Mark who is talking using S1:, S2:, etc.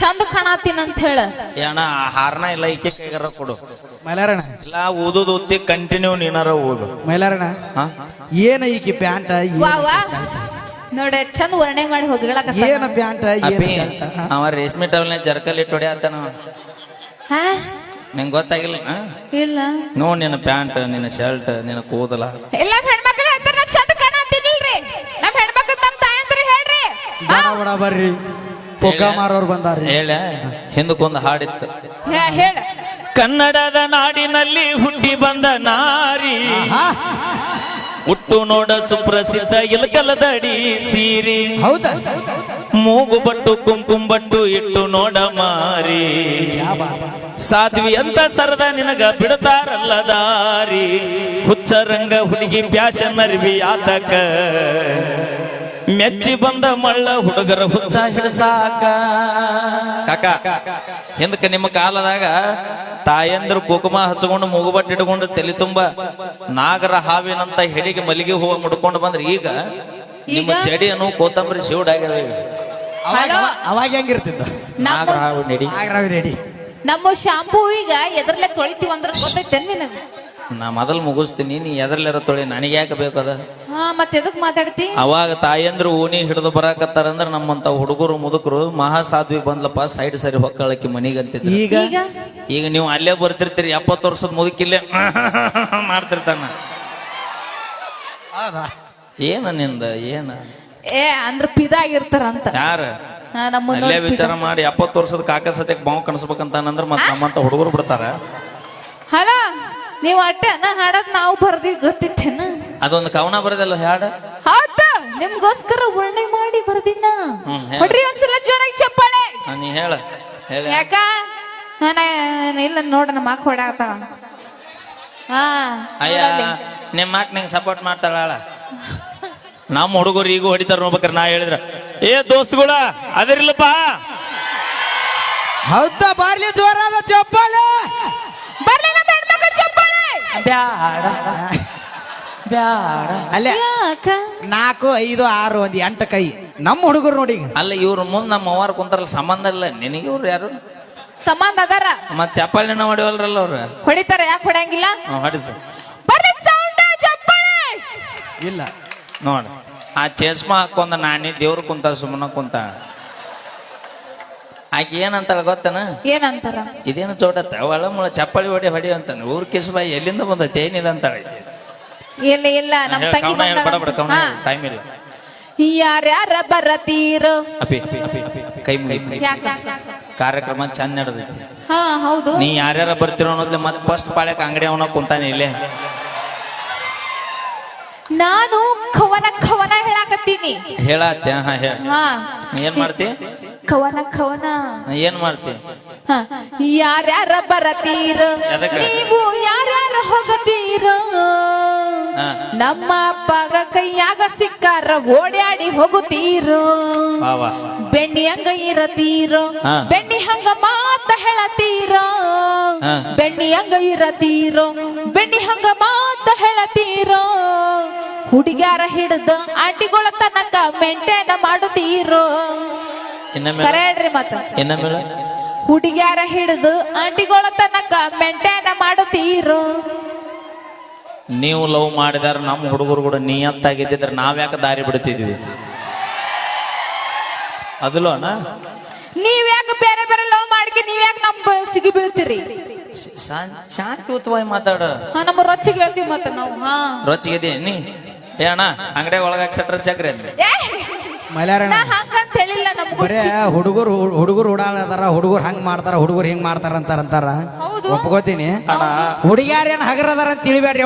S1: ಚಂದ ಕಾಣತೀನಿ ಅಂತ ಹೇಳ
S2: ಏನ ಹಾರನ ಇಲ್ಲ ಈಕೆ ಕೈಗಾರ ಕೊಡು
S3: ಮೈಲಾರಣ
S2: ಇಲ್ಲ ಓದೋದು ಓದ್ತಿ ಕಂಟಿನ್ಯೂ ನೀನಾರ ಓದು
S3: ಮೈಲಾರಣ ಏನ ಈಕಿ ಪ್ಯಾಂಟ
S1: ವಾ ವಾ ನೋಡ ಚಂದ ವರ್ಣೆ ಮಾಡಿ ಹೋಗಿಳಕ
S3: ಏನ ಪ್ಯಾಂಟ
S2: ಅವ ರೇಷ್ಮೆ ಟವಲ್ನ ಜರ್ಕಲ್ ಇಟ್ಟು ಹೊಡ್ಯಾತನ ನಿಂಗೆ ಗೊತ್ತಾಗಿಲ್ಲ
S1: ಇಲ್ಲ
S2: ನೋಡ್ ನಿನ್ನ ಪ್ಯಾಂಟ್ ನಿನ್ನ ಶರ್ಟ್ ನಿನ್ನ ಕೂದಲ
S1: ಎಲ್ಲ ಹೆಣ್ಮಕ್ಳು ಹೇಳ್ತಾರ ನಾ ಚಂದ ಕಾಣತೀನಿಲ್ರಿ ನಮ್ ಹೆಣ್ಮಕ್ಳು ತಮ್ಮ ತಾಯಂದ್ರ ಹೇಳ್ರಿ
S3: ಬಡ ಬರ್ರಿ ಪೊಕ್ಕ ಮಾರೋರು ಬಂದಾರ್ರಿ
S2: ಹೇಳ ಹಿಂದಕ್ಕೊಂದು ಹಾಡಿತ್ತು
S1: ಹೇಳ
S2: ಕನ್ನಡದ ನಾಡಿನಲ್ಲಿ ಹುಟ್ಟಿ ಬಂದ ನಾರಿ ಹುಟ್ಟು ನೋಡ ಸುಪ್ರಸಿದ್ಧ ಇಲಕಲದಡಿ ಸೀರಿ
S3: ಹೌದಾ
S2: ಮೂಗು ಬಟ್ಟು ಕುಂಕುಂಬಟ್ಟು ಇಟ್ಟು ನೋಡ ಮಾರಿ ಸಾಧ್ವಿ ಅಂತ ಸರದ ನಿನಗ ಬಿಡತಾರಲ್ಲ ದಾರಿ ಹುಚ್ಚರಂಗ ಹುಡುಗಿ ಪ್ಯಾಶನ್ ಅರ್ವಿ ಆತಕ ಮೆಚ್ಚಿ ಬಂದ ಮಳ್ಳ ಹುಡುಗರ ಹುಚ್ಚ ಹಿಡಸಾಕ ಕಾಕ ಹಿಂದಕ್ಕೆ ನಿಮ್ಮ ಕಾಲದಾಗ ತಾಯಂದ್ರು ಕುಕುಮ ಹಚ್ಕೊಂಡು ಮೂಗುಬಟ್ಟು ಇಟ್ಕೊಂಡು ತಲೆ ತುಂಬ ನಾಗರ ಹಾವಿನಂತ ಹೆಡಿಗೆ ಮಲ್ಲಿಗೆ ಹೂವ ಮುಡ್ಕೊಂಡು ಬಂದ್ರೆ ಈಗ ನಿಮ್ಮ ಚೆಡಿಯನ್ನು ಕೋತಂಬರಿ ಶಿವಡ್ ಆಗ್ಯದ
S3: ಅವಾಗ ಹೆಂಗಿರ್ತಿದ್ದ
S2: ನಾಗರ ಹಾವು ನೆಡಿ
S3: ರೆಡಿ
S1: ನಮ್ಮ ಶಾಂಪೂ ಈಗ ಎದ್ರಲ್ಲೇ ತೊಳಿತೀವಿ ಅಂದ್ರೆ ಗೊತ್ತೈತೆ ನಿನಗ
S2: ನಾ ಮೊದಲು ಮುಗಿಸ್ತೀನಿ ನೀ ಎದ್ರಲ್ಲಿರೋ ತೊಳಿ ನನಗೆ ಯಾಕೆ ಬೇಕದ
S1: ಮತ್ತೆ ಎದಕ್ ಮಾತಾಡ್ತಿ
S2: ಅವಾಗ ತಾಯಂದ್ರು ಓಣಿ ಹಿಡಿದು ಬರಾಕತ್ತಾರಂದ್ರ ನಮ್ಮಂತ ಹುಡುಗರು ಮುದುಕರು ಮಹಾಸಾಧ್ವಿ ಬಂದ್ಲಪ್ಪ ಸೈಡ್ ಸರಿ ಹೊಕ್ಕಳಕ್ಕೆ ಮನಿಗಂತಿದ್ರು ಈಗ ನೀವು ಅಲ್ಲೇ ಬರ್ತಿರ್ತೀರಿ 70 ವರ್ಷದ ಮುದುಕಿಲ್ಲೇ ಮಾಡ್ತಿರ್ತಾನ ಏನ ನಿಂದ ಏನ
S1: ಅಂದ್ರ ಪಿದಾಗಿರ್ತಾರಂತ
S2: ಯಾರ ಅಲ್ಲೇ ವಿಚಾರ ಮಾಡಿ 70 ವರ್ಷದ ಕಾಕ ಸತ್ಯಕ್ಕೆ ಬಾವು ಕನಸ್ಬೇಕಂತಾನಂದ್ರ ಮತ್ ನಮ್ಮಂತ ಹುಡುಗರು ಬಿಡ್ತಾರ
S1: ಹಲೋ ನೀವ್ ಅಟ್ಟೆ ಹಾಡದ್ ನಾವು ಬರ್ದಿವಿ ಗೊತ್ತಿತ್ತೇನ
S2: ಅದೊಂದು ಕವನ ಬರದಲ್ಲ ಹಾಡ
S1: ಹೌದಾ ನಿಮ್ಗೋಸ್ಕರ ವರ್ಣೆ ಮಾಡಿ ಬರ್ದಿನ ಹೊಡ್ರಿ ಒಂದ್ಸಲ ಜೋರಾಗಿ ಚಪ್ಪಾಳೆ
S2: ನೀ ಹೇಳ
S1: ಯಾಕ ಇಲ್ಲ ನೋಡ ನಮ್ಮ ಅಕ್ಕ ಹೊಡಾತಾಳ
S2: ಅಯ್ಯ ನಿಮ್ಮ ಮಾಕ್ ನಂಗೆ ಸಪೋರ್ಟ್ ಮಾಡ್ತಾಳ ನಮ್ಮ ಹುಡುಗರು ಈಗ ಹೊಡಿತಾರ ನೋಡ್ಬೇಕ್ರ ನಾ ಹೇಳಿದ್ರ ದೋಸ್ತುಗಳ ಅದರಿಲ್ಲಪ್ಪ
S3: ಹೌದಾ ಬಾರ್ಲಿ ಜೋರಾದ ಚಪ್ಪಾಳೆ
S1: ಬರ್ಲಿ ನಮ್ಮ ಹೆಣ್ಮಕ್ಳು ಚಪ್ಪಾಳೆ
S2: ಬ್ಯಾಡ ಬ್ಯಾಡ
S3: ಅಲ್ಲೇ 4 5 6 1 8 ಕೈ ನಮ್ಮ ಹುಡುಗರು ನೋಡಿ
S2: ಅಲ್ಲ ಇವ್ರ ಮುಂದ್ ನಮ್ಮ ಅವ್ವಾರ ಕುಂತಾರಲ್ಲ ಸಂಬಂಧ ಇಲ್ಲ ನಿನಗೆ ಇವ್ರು ಯಾರು
S1: ಸಂಬಂಧ ಅದಾರ
S2: ಮತ್ ಚಪ್ಪಾಳಿನ ಹೊಡಿವಲ್ರಲ್ಲ ಅವ್ರ
S1: ಹೊಡಿತಾರ ಯಾಕೆ ಹೊಡಂಗಿಲ್ಲ
S2: ಹೊಡಿಸ
S1: ಬರ್ಲಿ ಸೌಂಡ್ ಚಪ್ಪಾಳೆ
S3: ಇಲ್ಲ
S2: ನೋಡ ಆ ಚೇಸ್ಮಾ ಹಾಕೊಂಡ ನಾನಿ ದೇವ್ರು ಕುಂತಾರ ಸುಮ್ಮನ ಕುಂತ ಆಕೆ ಏನಂತಾಳ ಗೊತ್ತನ
S1: ಏನಂತಾರ
S2: ಇದೇನು ಚೋಟತ್ತ ಒಳ ಮುಳ ಚಪ್ಪಳಿ ಹೊಡಿ ಅಂತಾನೆ ಊರ್ ಕಿಸ್ಬಾಯಿ ಎಲ್ಲಿಂದ ಬಂದೈತೆ ಏನಿದೆ ಅಂತಾಳ
S1: ಇಲ್ಲ ಇಲ್ಲ ನಮ್ಮ ತಂಗಿ
S2: ಟೈಮ್ ಇಲ್ಲ
S1: ಯಾರ್ಯಾರ ಬರತೀರೋ
S2: ಅಪಿ ಕೈ ಮುಗಿ ಕಾರ್ಯಕ್ರಮ ಚಂದ ನಡೆದೈತಿ
S1: ಹೌದು
S2: ನೀ ಯಾರ್ಯಾರ ಬರ್ತಿರೋ ಅನ್ನೋದ್ಲೆ ಮತ್ ಫಸ್ಟ್ ಪಾಳ್ಯಕ್ ಅಂಗಡಿ ಅವನ ಕುಂತಾನೆ ಇಲ್ಲೇ
S1: ನಾನು ಖವನ ಹೇಳಾಕತ್ತೀನಿ
S2: ಹೇಳತ್ತೆ ಏನ್ ಮಾಡ್ತಿ
S1: ಖವನ
S2: ಏನ್ ಮಾಡ್ತಿ
S1: ಯಾರ್ಯಾರ ಬರತೀರ ನೀವು ಯಾರ್ಯಾರ ಹೋಗತೀರ ನಮ್ಮ ಅಪ್ಪಗ ಕೈಯಾಗ ಸಿಕ್ಕಾರ ಓಡ್ಯಾಡಿ ಹೋಗುತ್ತೀರೋ ಬೆಣ್ಣಿ ಹಂಗ ಇರತೀರೋ ಬೆಣ್ಣಿ ಹಂಗ ಮಾತ ಹೇಳತೀರೋ ಬೆಣ್ಣಿ ಹಂಗ ಇರತೀರೋ ಬೆಣ್ಣಿ ಹಂಗ ಮಾತ ಹೇಳತೀರೋ ಹುಡುಗ್ಯಾರ ಹಿಡ್ದ ಆಂಟಿಗಳ ತನಕ ಮೇಂಟೈನ್ ಮಾಡುತ್ತೀರೋ ಕರೆಡ್ರಿ ಮತ್ತ ಹುಡುಗ್ಯಾರ ಹಿಡಿದು ಆಂಟಿಗಳ ತನಕ ಮೇಂಟೈನ್ ಮಾಡುತ್ತೀರೋ
S2: ನೀವು ಲವ್ ಮಾಡಿದಾರ ನಮ್ಮ ಹುಡುಗರು ಕೂಡ ನಿಯತ್ತಾಗಿದ್ದಿದ್ರೆ ನಾವ್ಯಾಕೆ ದಾರಿ ಬಿಡ್ತಿದ್ವಿ ಅದಲ್ವನ
S1: ನೀವ್ಯಾಕೆ ಬೇರೆ ಬೇರೆ ಲವ್ ಮಾಡ್ಕೆ ನೀವ್ಯಾಕೆ ನಮ್ ಸಿಗಿ ಬೀಳ್ತೀರಿ
S2: ಶಾಂತಿಯುತವಾಗಿ ಮಾತಾಡ
S1: ನಮ್ಮ ರೊಚ್ಚಿಗೆ ಹೇಳ್ತೀವಿ ಮತ್ತ ನಾವು
S2: ರೊಚ್ಚಿಗೆ ನೀ ಅಣ್ಣ ಅಂಗಡಿ ಒಳಗ ಸೆಟ್ರ ಚಕ್ರಿ ಅಂತ
S1: ಹಂಗಂತ ಹೇಳಿಲ್ಲ
S3: ಬರೇ ಹುಡುಗರು ಓಡಾಡದಾರ ಹುಡುಗರು ಹಂಗ್ ಮಾಡ್ತಾರ ಹುಡುಗರು ಹಿಂಗ್ ಮಾಡ್ತಾರ ಅಂತಾರ ಒಪ್ಕೋತೀನಿ ಹುಡುಗ್ಯಾರೇನ್ ಹಗರದಾರ ಅಂತ ತಿಳಿಬೇಡ್ರಿ